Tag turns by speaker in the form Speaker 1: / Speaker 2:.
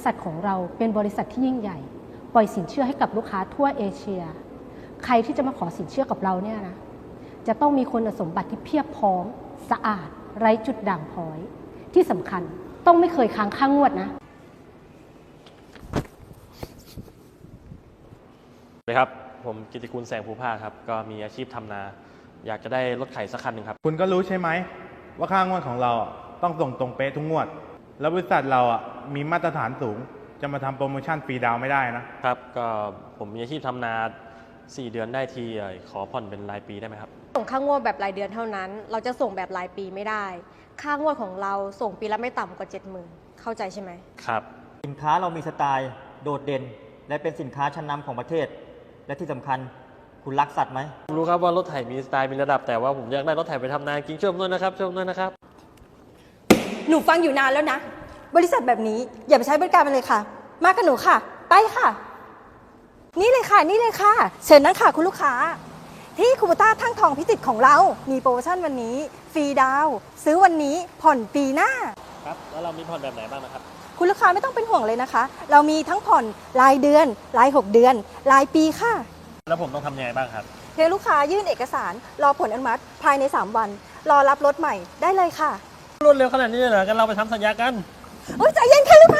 Speaker 1: ษัทของเราเป็นบริษัทที่ยิ่งใหญ่ปล่อยสินเชื่อให้กับลูกค้าทั่วเอเชียใครที่จะมาขอสินเชื่อกับเราเนี่ยนะจะต้องมีคุณสมบัติที่เพียบพร้อมสะอาดไร้จุดด่างพร้อยที่สำคัญต้องไม่เคยค้างค่างวดนะ
Speaker 2: สวัสดีครับผมกิติกูลแสงภูภาครับก็มีอาชีพทำนาอยากจะได้รถไถสักคันหนึ่งครับ
Speaker 3: คุณก็รู้ใช่ไหมว่าค่างวดของเราต้องส่งตรงเป๊ะทุกงวดแล้วบริษัทเรามีมาตรฐานสูงจะมาทำโปรโมชั่นฟรีดาวน์ไม่ได้นะครับ
Speaker 2: ก็ผมมีอาชีพทำนา4 เดือนได้ทีขอผ่อนเป็นรายปีได้ไหมครับ
Speaker 4: ส่งค่างวดแบบรายเดือนเท่านั้นเราจะส่งแบบรายปีไม่ได้ค่างวดของเราส่งปีละไม่ต่ำกว่า 70,000 เข้าใจใช่ไหม
Speaker 2: ครับ
Speaker 5: สินค้าเรามีสไตล์โดดเด่นและเป็นสินค้าชั้นนำของประเทศและที่สำคัญคุณรักสัตว์ไหม
Speaker 2: รู้ครับว่ารถไถมีสไตล์มีระดับแต่ว่าผมอยากได้รถไถไปทำนาจริงช่วยผมด้วยนะครับช่วยผมด้วยนะครับ
Speaker 6: หนูฟังอยู่นานแล้วนะบริษัทแบบนี้อย่าไปใช้บริการมันเลยค่ะมากับหนูค่ะไปค่ะนี่เลยค่ะนี่เลยค่ะเชิญนั่งค่ะคุณลูกค้าที่คูโบต้าทั้งทองพิจิตรของเรามีโปรโมชั่นวันนี้ฟรีดาวน์ซื้อวันนี้ผ่อนปีหน้า
Speaker 2: ครับแล้วเรามีผ่อนแบบไหนบ้างนะครับ
Speaker 6: คุณลูกค้าไม่ต้องเป็นห่วงเลยนะคะเรามีทั้งผ่อนรายเดือนราย6 เดือนรายปีค่ะ
Speaker 2: แล้วผมต้องทำยังไงบ้างครับ
Speaker 6: เพียงลูกค้ายื่นเอกสารรอผลอนุมัติภายใน3 วันรอรับรถใหม่ได้เลยค่ะ
Speaker 2: รวดเร็วขนาดนี้เลยเหรอกันเราไปทำสัญญากัน
Speaker 6: ใจเย็นค่ะลูก